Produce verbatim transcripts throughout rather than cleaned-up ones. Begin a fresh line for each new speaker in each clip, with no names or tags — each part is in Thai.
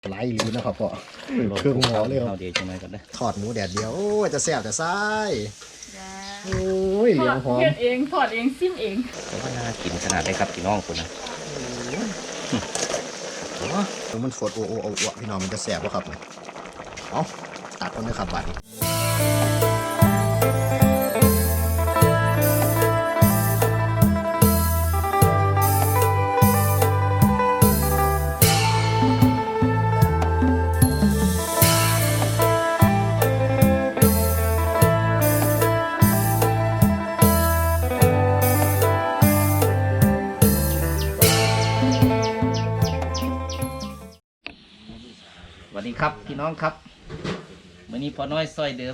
ไหลหรือนะครับพ่อเครื่องหม้อเลยครับ
เดียวจังไรก่อนนะ
ทอดหมูแดดเดียวโอ้ยจะแซ่บแต่ไส้โอ้ยเหลียงหอม
เฮ็ดเองทอดเองซิมเอง
แต่ว่าน่ากินขนาดได้ครับพี่น้องคุณนะ
โอ้มันสดโอ้โอ้โอ้โอ้พี่น้องมันจะแซ่บป่ะครับเอาตัดกันเลยครับบัดนี้
สวัสดีครับพี่น้องครับวันนี้พอน้อยซอยเดิม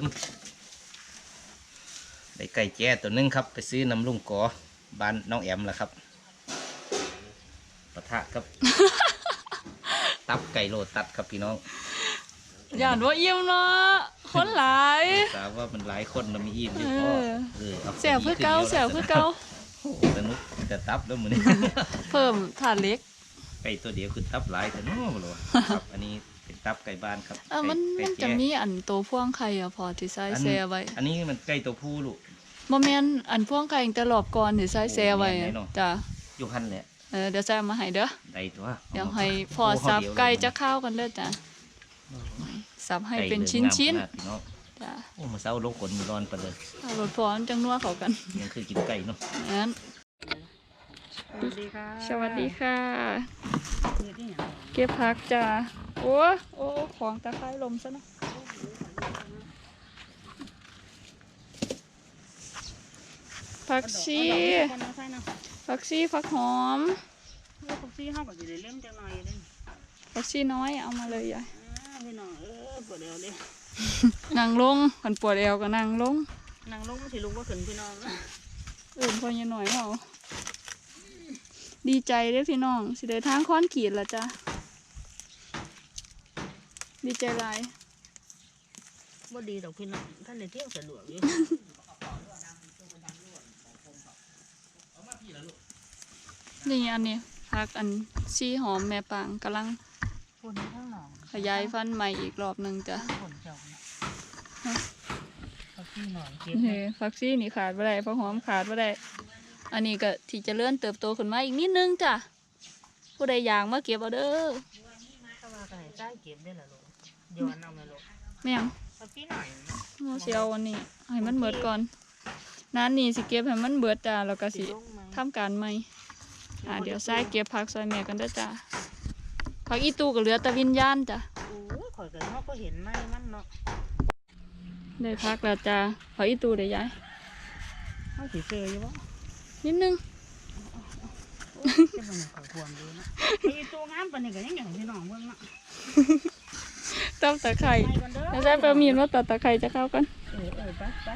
ได้ไก่แจ้ตัวนึงครับไปซื้อน้ำลุงกอบ้านน้องแอมแหละครับปะทะครับ ตับไก่โลตัดครับพี่น้อง
ย่านว่าอิ่มเนาะคนหลาย
ทราบว่ามันหลายคนมันมีอิ่มอยู่พอเออเอา
แซ่บคือเก่าแซ่บคือเก่า
โอ้โหสนุกจะตับแล้วมือนี้
เพิ่มถาดเล็ก
ไก่ตัวเดียวคือตับหลายแต่นู้นเลยครับอันนี้เป็นตับไก่บ้านครับ
เออมัน
ไก่
มัน
ไก่
จะ
แจ้
มีอันตัวพ่วงไข่อะพอที่ใส่
อัน
แซ่ไว้
อันนี้มันไก่ตัวผู้ลูก
บ่แม่นอันพ่วงไข่แต่รอบก่อนที่ใส่แซ่ไว้
โอ้แม่นไหนเนาะ
จ้ะ
อยู่หันแหละ
เออเดี๋ยวใส่มาให้เด้อ
ได้ตัว
เดี๋ยวให้พอสับไก่จะเข้าวกันเด้อจ้ะสับให้เป็นชิ้นๆ
ไก่เหลืองงามขนาดพี่น้อง
จ้ะ
โอ้มาเศร้าลงขนร้อนไปเลย
เอารสพร้อนจังนัวเข้ากัน
ยังคือกินไก่เนาะ
งั้น
สวัสดีค่ะ
สวัสดีค่ะ
นี่ที่อย่าง
เก็บผักจ้ะโอ้โอ้ของตะไคร้ลมซะเนาะผักชี
คนน้องใช่เนาะ
ผักชีผักหอม
ลูกซี่ห้าก็จะได้เล่มจังหน่อยเลย
ผักชีน้อยเอามาเลยยาย
อ่าพี่น้องเออปวดเอวเลย
นั่งลงคนปวดเอวก็นั่งลง
นางลงสิลุกว่าขึ้นพี่น้อง
อื่นพอยังหน่อยเขาดีใจเด้อพี่น้องสิได้ทางค้อนขีดละจ้ะดีใจหลาย
บ่ดีดอกพี่น้องท่านในเที่ยวสะดวกอยู่
นี่อันนี้ผักอันชีหอมแม่ปางกำลัง
คนข้างหลัง
ขยายฟันธุ์ใหม่อีกรอบหนึ่งจ้ะ
คนเจ้าเขาขี้หน่อยเก็บ
เฮ้ผักชีนี่ขาดไม่ได้ผักหอมขาดไม่ได้ อันนี้ก็ที่จะเลื่อนเติบโตขึ้นมาอีกนิดนึงจ้ะผู้ใดอยากมาเก็บเอาเด้อ
ถ้าว่ากันไหนใต้เก็บได้ละลูกย้อนเอาไหมลูก
แม่ง
เขาขี้หน่อย
เราสิเอาอันนี้ให้มันเบิดก่อนนั้นนี่สิเก็บให้มันเบิดจ้ะแล้วก็สิ
ลงไหม
ทำการใหม่อ่าเดี๋ยวใส่เก็บผักซอยแม่กันเด้อจ้ะผักอีตูก็เหลือแต่วิญญาณจ้ะ
โอ้ยข่อยกันเขาก็เห็นไหมมันเนาะ
ได้ผักแล้วจ้ะผักอีตูได้ยาย
เขาสิเจออยู่บ่
นิดนึง
จะเป็นข่อยควรดูนะไอ้ตัวงามปานนี้ก็ยังอย่างพี่น้องเบิ่งเนาะ
ตับตะไคร้
ไปกันเด้อ
แล้วใส่ปลาหมีนว่าตัดตะไคร้จะเข้ากัน
เออเออไปไป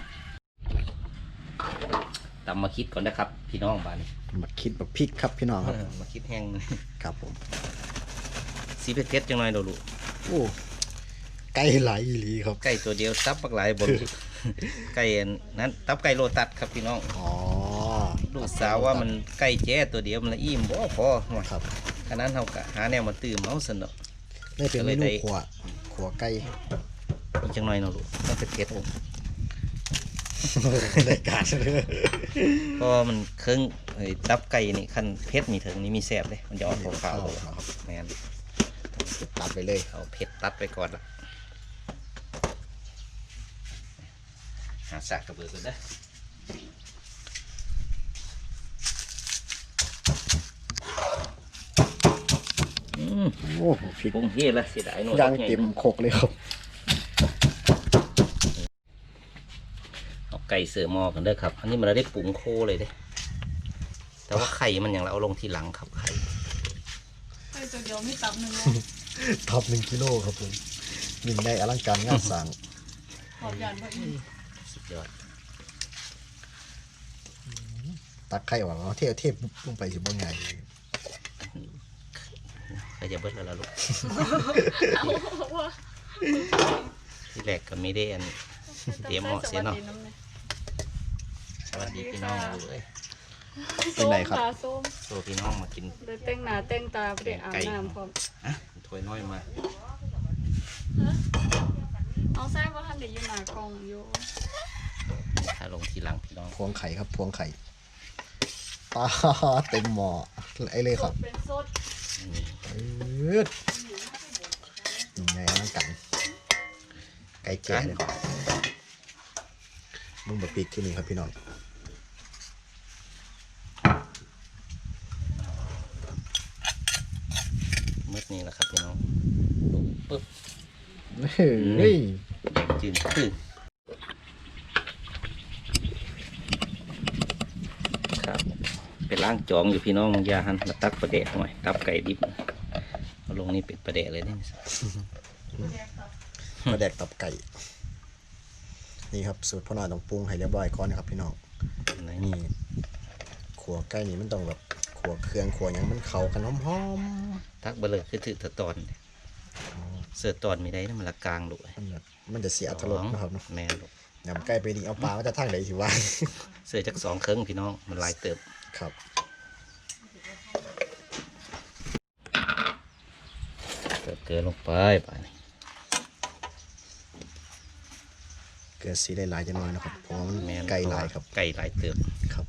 ตำมาคิดก่อนนะครับ พี่น้องบ้านนี้
มาคิดแบบพริกครับพี่น้องครับ
เออมาคิดแห้ง
ครับผม
สีเผ็ดๆจังหน่อยเดี๋ยวลูก
โอ้ไก่ไหลอีหลีครับ
ไก่ตัวเดียวตับปักหลายบน ไก่อันนั้นตับไก่โลตัดครับพี่น้อง
อ๋อ
ลูกสาวว่ามันไก่แจ้ตัวเดียวมันละอิ่มบ่พอ
ครับ
ขนาดเท่ากับหาแนวมาตื่มเอาสนอ
ได้เป็นเมนูขัวขัวไก่
อีกจังหน่อยเนาะลูกต้องเผ็ดๆผม
ได้การเลย
เพราะว่ามันเครื่องไอ้ตับไก่นี่คันเผ็ดมีถึงนี่มีแซ่บเลยมันจะออกขาวๆ
ครับ
แม่น
ตัดไปเลย
เอาเผ็ดตัดไปก่อนละหาสากกระเบือกันนะอืม
โอ้พริก
ปรุงเฮ็ดละเสียดายหน่อย
ย่างเต็มโคกเลยครับ
เอาไก่เสือหมอกันเด้อครับ อันนี้มันได้ปรุงโคเลยเด้ แต่ว่าไข่มันอย่างเราเอาลงทีหลังครับไข่
ไข่ตัวเดียวไม่ตับหนึ่ง
ท็อปหนึ่งกิโลครับผมยิ่งได้อลังการงานสร้าง
ขอบยานบ่อีก
สุดยอด
ตักไข่ออกเอาเทเทลงไปสิบ่ง่าย
ใครจะเบิดแล้วล่ะลูก
เอาว่า
ที่แรกก็ไม่ได้อัน เตรียมเหมาะเสียเนาะ สวัสดีพี่น้องเลย
เป็นไรครับ
ส้มตาส้ม
โซพี่น้องมากิน
ได้แต่งหน้าแต่งตาไปได้อาบน้ำพร้อม
อ่ะถ้วยน้อยมา
เอาแซ่บว่าท่านเดี๋ยวอยู่หน้ากล่องอยู่
ถ้าลงทีหลังพี่น้อง
พวงไข่ครับพวงไข่ปลาเต็มหม้อไอ้เลยครับ
เป็นสด
อืดยังไงนั่งกันไก่แก่เลยครับมึงบะปีกที่นี่ครับพี่น้อง
มืดนี่แหละครับพี่น้องลงปึ๊บ
เฮ้ย
แดงจืดคือครับเป็นล้างจองอยู่พี่น้องอยาหันมาตักประเดะหน่อยตับไก่ดิบเอาลงนี่เป็นประเดะเลยนี่
มาแดกตับไก่นี่ครับสูตรพ่อหน่อยต้องปรุงให้เรียบร้อยก่อนนะครับพี่น้อง
ไหน
นี่ขัวไก่นี่มันต้องแบบขัวเครื่องขัวหยังมันเข้ากันหอม
ตักเบลอคือถือตะตอนเสือตอนมีได้นะมันละกลางลูก
ๆมันแบบมันจะเสียอรรถรสนะครับเนาะ
แม่ลูก
ยำไก่ไปนี่เอาปลามาจะทั้งไหนสิวะ
เสือจักสองเครื่องพี่น้องมันหลายเติบ
ครับ
เติบเกลือลงไปป่านี่
เกลือสีหลายๆจะน้อยนะครับเพราะว่ามัน
แม่น
ไก่หลายครับ
ไก่หลายเติบ
ครับ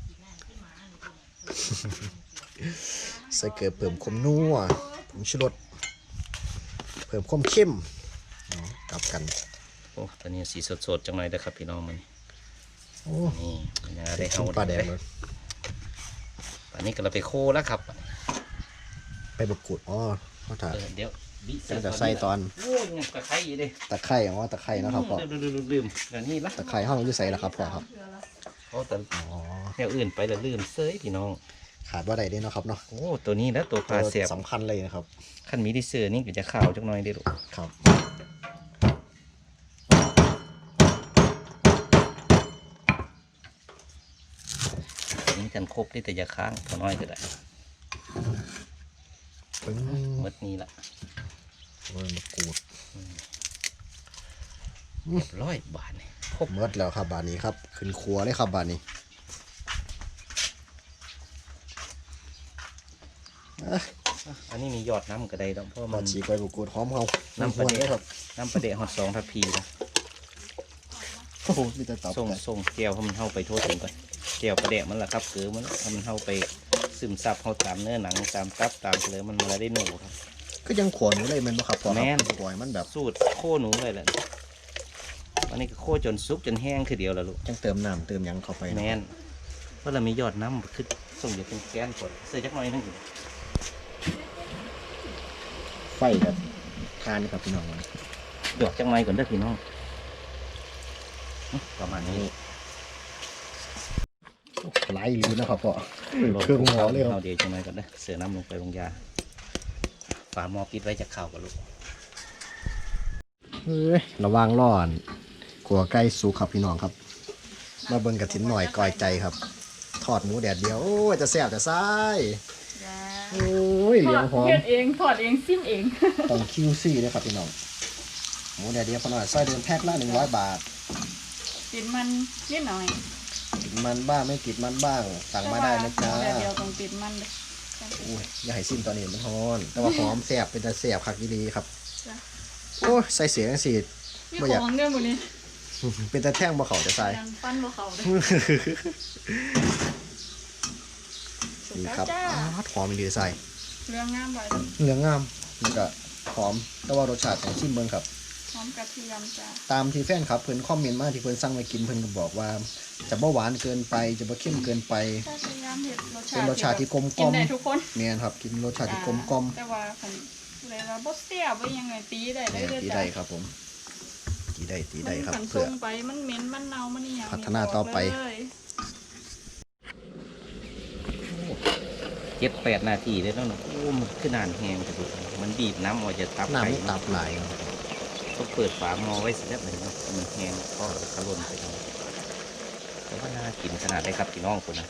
ใส่เกลือเพิ่มความนัวผงชูรสเพิ่มความเข้มเนาะกลับกัน
โอ้ตอนนี้สีสดๆจังเลยนะครับพี่น้องมัน
โอ้
นี่มันยังได้
ได้
เฮา
ปลาแดง
เลย
เลย
ตอนนี้ก็เราไปโคแล้วครับ
ไปบกูดอ๋อเขาถ่าย
เออเดี๋ยวบิ
จะใส่ตอน
โอ้ยยังตะไคร้อยู่ดิ
ตะไคร้อ๋อตะไคร้นะครับพ่อ
ลืมลืมลืมลืมแล้วนี่ละ
ตะไคร้ห้องอยู่ใส่ละครับพ่อครับ
เขาแต่
อ๋อ
แนวอื่นไปแล้วลืมเซยพี่น้อง
ขาดว่าใดได้เนาะครับเนาะ
โอ้ตัวนี้แล้วตัวปลาเสียบ
สำคัญเลยนะครับ
ขั้นมีที่เสือนี่ก็จะขาวจังหน่อยเด้อลูก
ครับ
นี่กันครบได้แต่อยาค้างพอน้อยก็ได้
ปึ้ง
หมดนี้ละ
โอ้ยมะกรูด
เรียบร้อยบาทนี่ครบ
เมิดแล้วครับบานนี้ครับขึ้นครัวเลยครับบานนี้อ่ะ
อันนี้มียอดน้ำก็ได้แล้วเพราะ
มา
มัน
ฉีกใบมะกรูดหอมเขา
น้ำปลา
ห
เดะ
เลยครับ
น้ำปลาเดะฮอตสองทัพพีนะ
โอ้โหมีแต่ตับ
ส่ง
ไก่
ส่งแก้วให้มันเข้าไปทั่วถึงก่อนแก้วปลาเดะมันละครับเกลือมันให้มันเข้าไปซึมซับเข้าตามเนื้อหนังตามตับตามเลยมันมาได้หนูครับ
ก็ยังขวนอยู่เลยแมันบ่ครับพ่อครับ
แม่น
ขวนมันแบบ
สูตรโค่หนูเลยแหละอันนี้ก็โค่จนซุกจนแห้งคือเดียวแล้วลูก
จังเติมน้ำเติมหยังเข้าไป
แม
เนาะ
นเพราะเรามียอดน้ำคือส่งอยู่เป็นแกนกดเสื้อจักหน่อยนึง
ไฟแบบทานครับพี่น้องมัน
หยอกจังหน่อยก่อนเด้อพี่น้องประมาณนี้
ไหลหรือนะครับพ่อเครื่องหม้อเลยค
เอา
รับ
เดี๋ยวจังหน่อยก่อนเด้อเสือน้ำลงไปลงยาฝาหม้อปิดไว้จะเข่ากับลูก
เฮ้ยระวังร้อนขัวไก่สุกครับพี่น้องครับ มาเบิ่งกระถินหน่อยก่อยใจครับ ทอดหมูแดดเดียวโอ้ยจะแซ่บจะซ้ายโอ้ยเหลียงหอม
เฮ็ดเองถอดเองซิมเอง
ต้องคิวซี่เลยครับพี่น้องหมูแดดเดียวพอหน่อยซอยเดินแพ็คละหนึ่งร้อยบาท
ติดมันนิดหน่อย
ติดมันบ้างไม่ติดมันบ้างสั่งมาได้นะจ๊ะ
แต่เดียวต้องติดมันเลย
โอ้ยอย่าให้ซิมตอนนี้มันฮ้อน แต่ว่าหอมแซ่บเป็นแต่แซ่บคักดีครับ
จ้ะ
โอ้ยใส่เสียงสิ
มี
บ่อยาก
ของเนี่ยหมดนี้
เป็นแต่แท่งบ่เขาจะใส่
ยังปั้นบ่เขาเลย
นี่ครับ
จ้า
อ้าวหอมดีใส่
เรื่องงามไว้
เหลืองงามแล้วก็หอมแต่ว่ารสชาติของชิมเบิ่งครับ
หอมกระเทียมจ้า
ตามที่แฟนครับเพิ่นคอมเมนต์มาที่เพิ่นสั่งไว้กินเพิ่นก็บอกว่า จะบ่หวานเกินไปจะบ่เค็มเกินไป
ถ้าพยายามเห็ดรสชา
เป็น
ติ
รสชาติที่กลมก
กิ
ล่
น
อม
ได้ทุกคน
แม่นครับกินรสชาติที่กลมกล่อม
แต่ว่าคันเลยว่าบ่เสียบ่ยังไงตีได้เล
แม่
ย
น
เด้อ
ตี
จ้ะ
ได้ครับผมตีได้ตีได้ครับ
มัน
เพื่อ
ส่งไปมันเหม็นมันเน่ามันนี่ยัง
พัฒนาต่อไป
เลย
เจ็ดแปดนาทีได้แล้วเนาะโอ้มันขึ้นนานแห้งกระดูกมันบีบน้ำออกจะตับ
น้ำ
ไก่
มันตับหลายครับ
ต้องเปิดฝาหม้อไว้สักนิดหนึ่งเนาะมันแห้งเพราะขลุ่นไปแล้วแต่ว่าน่ากินขนาดได้ครับพี่น้องคนนะ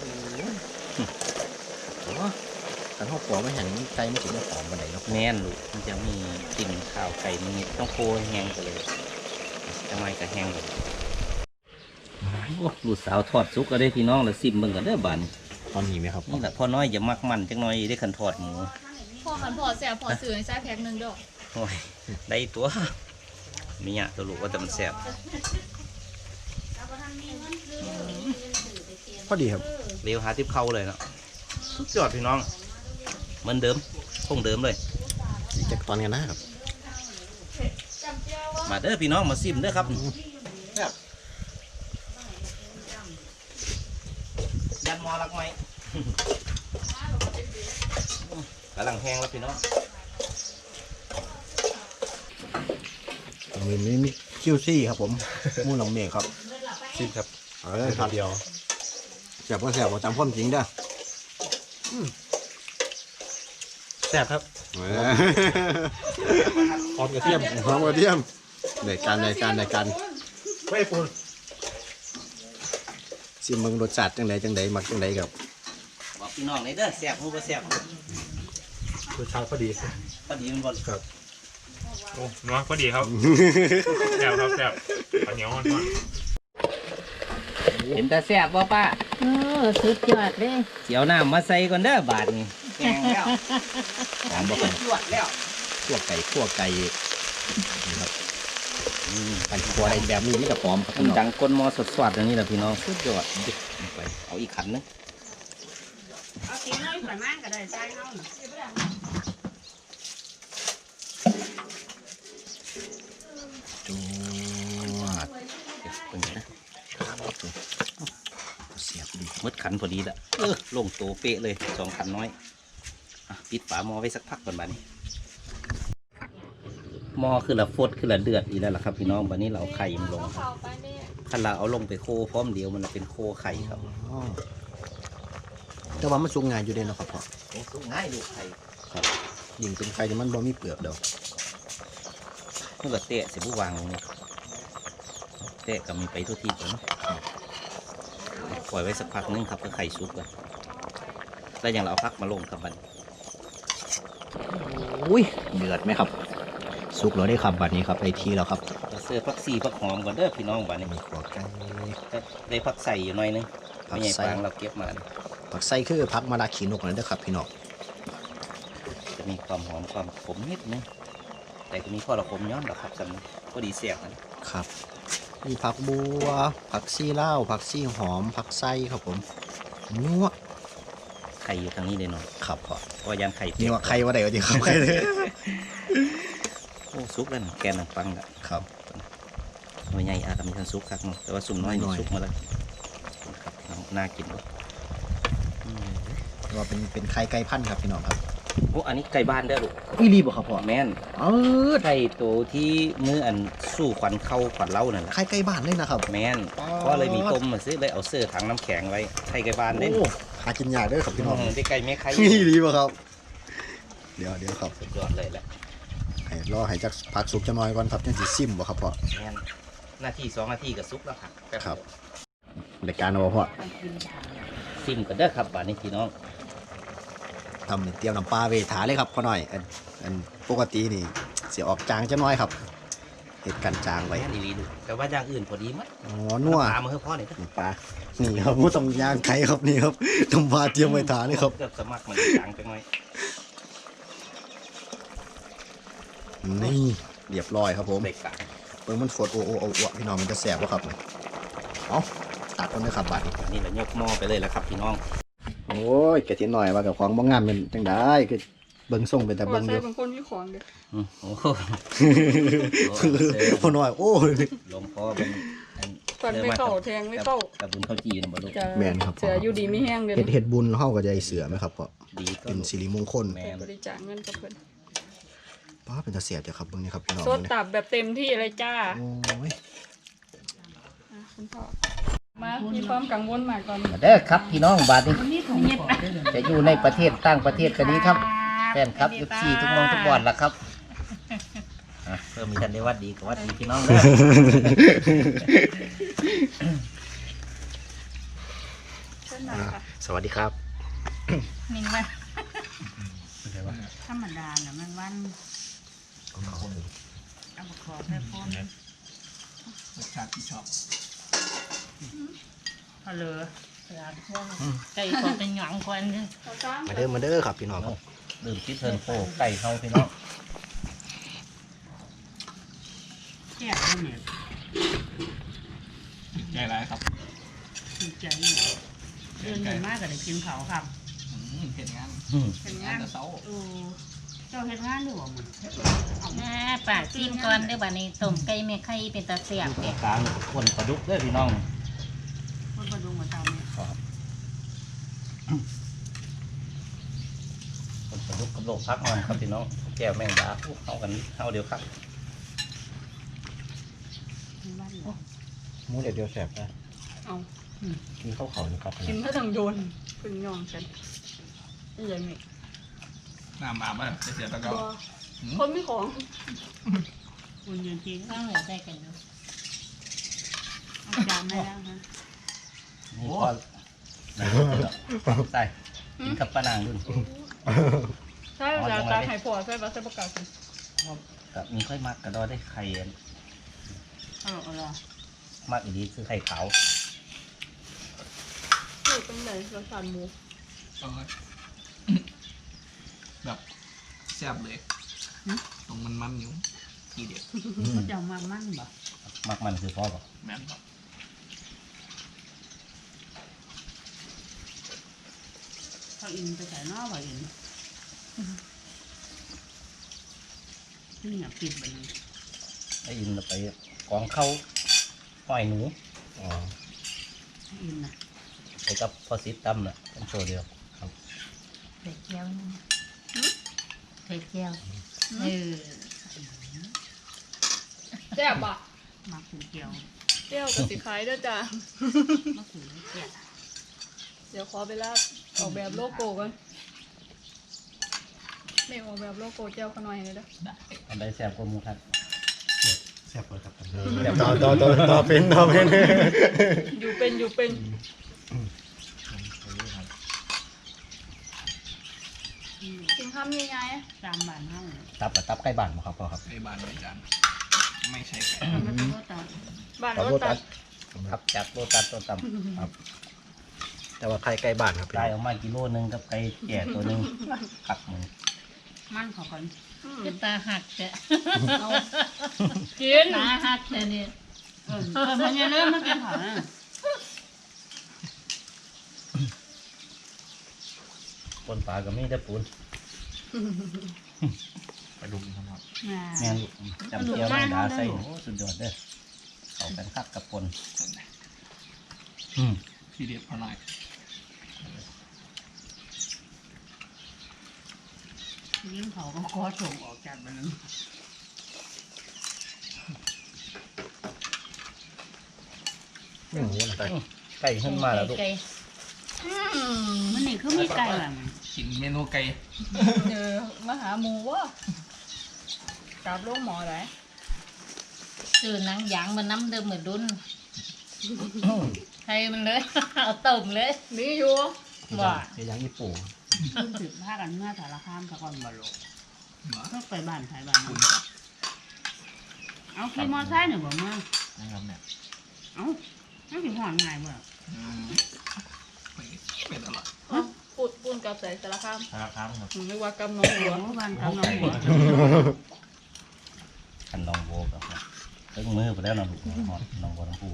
โอ้กันเฮาขัวไม่แห้งไก่มันสิบ่หอมปานใดเนาะ
แน่นลูกมันจะมีกลิ่นข้าวไก่นิดๆต้องโคให้แห้งไปเลยจังไรก็แห้งเลยโอ้ลูกสาวทอดซุกก็ได้พี่น้องแล้วซิมเบิ่งกันเด้อบัดน
ตอนนี้ไหมครับ
นี่แหละพ่อน้อยอย่ามักมันจังน้อยได้ขันทอดหมู
พอมันพอแซ่บพอซื้อให้ใส่แพ็คหนึงดอก
โอ้ยได้ตัวมีเนี่ยตัวลูกว่าแต่มันแซ่บ
พอดีครับ
เร็วหาทิพเข้าเลยเนาะสุดยอดพี่น้องเหมือนเดิมคงเดิมเลย
อีกจากตอนกันนะครับ
มาเด้อพี่น้องมาซิมเด้อครับยันมอรักไหม กำลังแห้งแล้วพี่น้อง
มีมีมีคิวซี่ครับผมหมูหนองเมฆครับ
ซิมครับ
เออครับเดียวแซ่บก็แซ่บบ่จำความจริงเด้อ
แซ่บครับ
เอ
หอมกระเทียม
อหอมกระเทียมในการในการในการ
ไม่ปูน
ซิมเบิ่งรสชาติจังไดจังไดมักจังไดครับ
บอกพี่น้องเลยเด้อแซ่บหูบ่แซ่บ
รสชาติพอดี
พอดีมันบ่
ครับ
โอ้นัวพอดีครับแซ่บครับแซ่บข้าวเหนียวมันมัน
เห็นแต่แซ่บบ่ป้า
เออสุดยอดเลย
เสียวน้ำมาใส่ก่อนเด้อบาทนี่แกงแล้ว
หอมบ่ครับ
จวดแล้ว
คั่วไก่คั่วไก่นี่ครับการคั่วในแบบนี้มันก็หอมครับ
มัน
พี่น้อง
ดังก้นหมอสดสวดอันนี้แหละพี่น้องสุดยอดดิไปเอาอีกขันนึง
เอากินน้อยกว่านั้นก็ได้ใจเฮา
จวด
เดี๋ยวเป็นไงนะ
เสียบดี
มืดขันพอดีละเออลงโตเป๊ะเลยสองขันน้อยอ่ะปิดฝาหม้อไว้สักพักก่อนบัดนี้หม้อคือละฟดคือละเดือดอีกแล้วล่ะครับพี่น้องบัดนี้เราเอาไข่มันลงคันเราเอาลงไปโคพร้อมเดียวมันจะเป็นโคไข่ครับ
อ๋อแต่ว่ามันสุกง่ายอยู่เด้เนาะครับพ่อ
โอ้สุกง่ายลูกไข่
ครับยิ่งเป็นไข่ที่มันบ่มีเปลือกเดอก
เมื่อเตะเสียบุวางลงเนี่ยเตะก็มีไปทุกทีก่อนเนาะปล่อยไว้สักพักนึงครับเพื่อไข่สุกก่อนแล้วอย่างเราเอาพักมาลงครับบัดนี้
อุ้ยเดือดไหมครับสุกแล้วได้ครับบัดนี้ครับไอทีแล้วครับ
เราเสื้อพักซีพักหอมก่อนเด้อพี่น้องบัดนี้
มีขัวไก่
ได้พักใส่อยู่หน่อยนึง
ผั
ไม่
ก
ใหญ่
ใส่
ฟางเราเก็บมาเนี่ย
ผักไส้คือผักมะระขีนกนั่นเด้อครับพี่น้อง
จะมีความหอมความขมนิดนึงแต่ก็มีข้อระคมย้อนหรอกครับสำนักก็ดีเสียบนะครับ
มีผักบัวผักซี่เล่าวผักซี่หอมผักไส้ครับผมนัว
ไข่อยู่ทางนี้เลยเนาะ
ครับพ่อ
เพราะว่ายันไข่เปีย
นั
ก
วไข่ว่าไดวะดีครับไข่เลย
โอ้ซุกแล้วนะแกนนังฟังละ
ครับ
หน่วยใหญ่อาจจะมีทันซุกครับเนาะแต่ว่าสุ่มน้อย
หน่
นี่
อย
ซุกมาแล้วครับน่ากินด้วยอืม
แต่ว่าเป็นเป็นไข่ไก่พันธุ์ครับพี่น้องครับ
โอ้อันนี้ไก่บ้านเด้อลูก
อีรีบ่ครับพ่อ
แม่น
เออ
ไก่ตัวที่มืออันสู้ขวัญเข้าขวัญเล่านั่นแหละ
ไข่ไก่บ้านเลยนะครับ
แม่นเพราะเลยมีต้มมาซื้อเลยเอาเสื้อถังน้ำแข็งไว้ไข่ไก่บ้านเด้
โอ้หากินยากเด้อครับพี่น้อง
อืมได้ไก่ไม่ไข่
อีรีบ่ครับ เดี๋ยวเดี๋ยวครับ
สุดยอดเลยแหละ
ให้รอให้จักผักสุกจะน้อยก่อนครับจังสิซิมบ่ครับพ่อ
แม่นหน้าที่สองนาทีก็ซุกแล้วค่ะแป๊
ครับ
เดียว
รายการเอาบ่พ่อ
ซิมกันเด้อครับบ้านนี้พี่น้อง
ทำนี่เตรียมน้ำปลาเวทาเลยครับพ่อหน่อยอันอันปกตินี่เสียออกจางจะน้อยครับเห็ดกันจางไว้
ไว้ดีๆดูแต่ว่าอย่างอื่นพอดีมั้ย
อ๋อนัว
ตามมาเพื่อพ่อเนี่ย
น้ำปลานี่ครับมูต้องย่างไข่ครับนี่ครับน้ำปลาเตรียมไว้ทาเลยครับ
เกือบสมัครมันจางจังหน่อย
นี่เรียบร้อยครับผม
เบรกกะ
เปิ้งมันฝดโอโอโอโอพี่น้องมันจะแสบวะครับเอาตัดคนเลยครับบัดนี้
นี่แหละยกหม้อไปเลยแหละครับพี่น้อง
โอ้ยกะทิหน่อยว่ากับของบ้งงามเป็นจังได้คือเบิ่งส่งเป็นแต่
พอ
เบิ่ง
ใส่
เดียว
บางคนมีของเด้อ
อืมโอ้โห
พ่อหน่อยโอ้ย
ลงพ่อเป็นอัน
ฟันไม่เข้าแทงไม่เข้า
กับบุญเข้าจีนบ่ลูก
จะ
แม่นครับ
เสืออยู่ดีไม่แห้งเลย
เฮ็ดเฮ็ดบุญเฮาก็จะได้เสือไหมครับพ่อ
ดีก็
เป็นสิริมงคล
แมน
บริจาคเงินกับเพิ่น
ป้าเป็นตาเสียบจ้ะครับเบิ่งนี่ครับพี่น้อง
สด
เบิ่งนี่
ตับแบบเต็มที่เลยจ้า
โอ้ย
อ่ะคุณพ่อมามีความกังวลมากตอนนี้
เด้อครับพี่น้องบาทนี้
นี่ถุงเย็บไป
จะอยู่ในประเทศต่างประเทศก็ดีครับแฟนครับ เอฟ ซี ทุกมองทุกบอลละครับอ่ะเพิ่มมีทันได้วัดดีกับวัดดีพี่น้องเด้อ
เช่นนั้นค่ะ
สวัสดีครับ
นิ่งมันธรรมดาน่ะมันวันเอามาขอแค่พ่อรสชาติที่ชอบฮัลโหลร้านพวกไก่ขอเป็นหยองควันเนี่ย
เอาจ้า
มาเด้อมาเด้อครับพี่น้องครับ
ดื่มคิดเทิร์นโฟไก่เฮาพี่น้อง
แซ่บเลยเนี่ย
ใหญ่ไรครับ
ถูกใจเนี่ยเดินเห็นมากก็ได้กินเขาครับ
เห็นงาน
อืม
เห็นงาน
แต่เสา
เออเจ้าเห็นงานด้วยบ่มัน
แม่ปากจิ้มก่อนเด้อบัดนี้ต้มไก่แม่ไข่เป็นตาเสียบ
อยู่ตร
เด้
งกลางคนปลาดุกเด้อพี่น้อง
คนมาดูมาเตาเนี่ย
คนปลาดุกกับโลกพักมันครับพี่น้องแก้วแมงดาอู้เข้ากันเข้าเดียวครับ
บ้านเหรอ
หมูเดี๋ยวเดียวแสบนะ
เอา
กินข้าวเขานี่ครับ
กินเพื่อทางโดนเป็นยองฉันนี่ยังไง
น้ำอาบอ่ะจะเสียตะก
ตั
อ
วคนไม่ของ
คุณยืนกิน
ข้าวเหนียวใส่กันเนาะ
เอาจานได้แล้วฮะ
นี่พอใส่กินกับปลานางรุ่น
ใช่เวลาตาหายปอดใช่ปะใช่ประกาศกัน
กับมีค่อยมักกระดอได้ไข่อัน
เอาหรอเอาหรอ
มากอีกทีคือไข่ขาว
อยู่ตรงไหนรสชาติหมู
แบบแซ่บเลยตรงมันมันอยู่ทีเดียว
เขาจะเอามามั่นบ่
มักมันคือพ่อบอก
แม่นครับ
เขาอินไปใส่นอกบ่อินนี่อยากปิดแบบนี้
ไอ้อินเราไปกองเข้าห้อยหนู
อ๋อ
อินนะ
ไปกับพอซิตตั้มน่ะเป็นโชว์เดียวครับ
ใส่เจียวนี่ใส่เจียวเออ
แซ่บปะ
มาขือเกี่ยว
เจียวกับสีขายด้วยจ้ะ
มาขือเกี่ยว
เดี๋ยวขอไปลาดออกแบบโลโก้ก่อนไม่ออกแบบโลโก้เจียวขน่อยเลยเด้อ
อันใดแซ่บกว่าหมูครับ
แซ่บเลยครับ
ต่อต่อต่อต่อเป็นต่อเป็น
อยู่เป็นอยู่เป็นกินข้ามยังไง
ตามบ้านเฮา
ตับกับตับใกล้บ้านบ่ครับพ่อครับ
ไอ้บานไม่จานไม่ใช่ไก่
มันเป็นรสตา
บ้าน
ขอ
ร
โท
ถ
ษ
ตั
ตั
ด
ด
ครับจากโลตัสตัวต่ำครับ
แต่ว่าใครใกล้บ้านครับ
ได้ออกมากิโลนึงกับไก่แก่ตัวหนึงขัดหนึ่ง
มั่นเขาก่อน
คือตาหักจ้ะ
เอากิน
ตาหักเลยเนี่ย
เออเออมันยังเริ่มมากินเขานะ
ปนปลาก็มีแต่ปูน
ไปดุมครับ
แม่นจำเจียวแมงดาใส่โอ้สุดยอดเด้อเข้ากันคักกับปนอืม
ทีเดียวพอหน่อย
ยิ่งเขาก็ขอส่งออกจากมันนั้น
ไม่หมูนะแต่
ไก่ขึ้นมาแล้วลูก
ไก่
มันนี่คือมีไก่แบบมัน
กินเมนูไก่
เจอมาหาหมูวะกลับโรงหมอไหน
ซื้อหนังยางมาน้ำเดิมเหมือนดุนให้มันเลย เอาต้มเลย
มีอยู่
ว่า
เดี๋ยวยังญี่ปุ่น
ขึ้นสืบผ้ากันเมื่อสารคามตะกอนบอลโล
เหรอ
ก็ไปบ้านไทยบ้าน
คุ
มั
ณ
น
ครับ
เอาขี่มอไซค์หนึ่งบ่เมื่อ
นะครับเนี่ย
เอาไม่ถึงหอนง่ายบ่
อืมไปเป็นตลอด
เอ้าปูดปูนกับใส่สารคาม
ครับครับครับ
มึงไม่ว่ากำน้องหัว
โอ้บ้านกำลังหัว
ขันลองโบกับตึงมือไปแล้วนะลูกหอดลองโบน้ำปู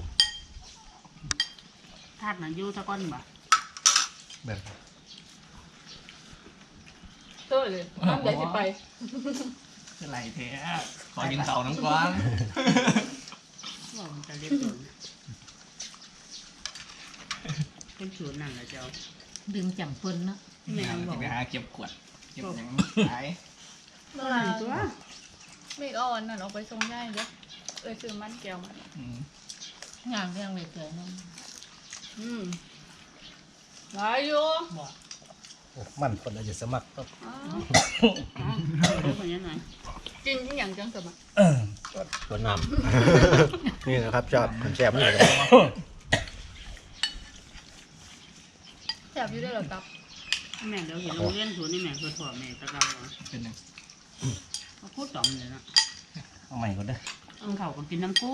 ธาตุน่ะอยู่ตะกอนบ่
แบบ
เต้ยเลยน้ำใหญ่สิไป
คือไรแท้ขอกินเสาน้ำกวาง
ว่ามันจะเรียบร้อยเป็นสูตรนั่นแหละเจ้า
ดึงจำปนเนาะ
แม่บอก
ไปหาเก็บขวดเก็บหยังขาย
เมื่อตัว ไม่เอาอันนั้นออกไปส่งย่ายเด้อเอ้ยซื้อมันแก้วมา
อืม
งานเรื่องเลยเกิดนั่น
อืมหลายอยู่
บอก
โอ้มันคนอาจจะสมัครก็
อ้าว
อ๋อเดี๋ยวคนยังไง
กินที่อย่างจังสมัคร
ตัวน้ำ นี่นะครับจอดผมแสบนี่เลย
แซ่บอยู่ได้หรอครับ
แม่เดี๋ยวเห็นโรงเรียนสวนนี่แม่คือถั่วแม่ตะเกา
เป็นยัง
เขาพูดต่อมเลยนะ
เอาใหม่ก็ได้
เอาเขาก็กินน้ำกู้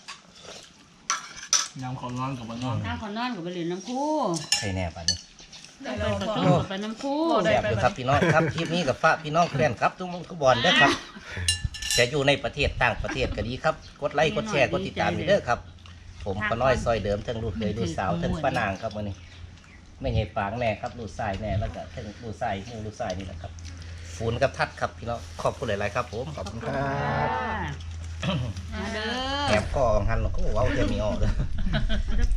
ยำขอร้อนกับมันร้อน
ถ้าเขานอนก็ไปเรียนน้ำกู้
ใครแน่ป่ะนี่
ไปกระตุ้นไปน้ำคู่
แซ่บอยู่ครับพี่น้องครับคลิปนี้กับฝากพี่น้องแฟนครับทุกคนทุกบอลเด้อครับจะอยู่ในประเทศต่างประเทศก็ดีครับกดไลค์กดแชร์กดติดตามเด้อครับ ผมป้าน้อยซอยเดิมทั้งลูกเคยลูกสาวทั้งป้านางครับวันนี้ไม่ใช่ฝางแน่ครับลูกชายแน่แล้วก็ทั้งลูกชายมูลูกชายนี่แหละครับปูนกับทัดครับพี่น้องขอบคุณหลายๆครับผม
ขอบคุณครับ
มาเด้อ
แอบก็หันก็เว้าจะมีออกเลย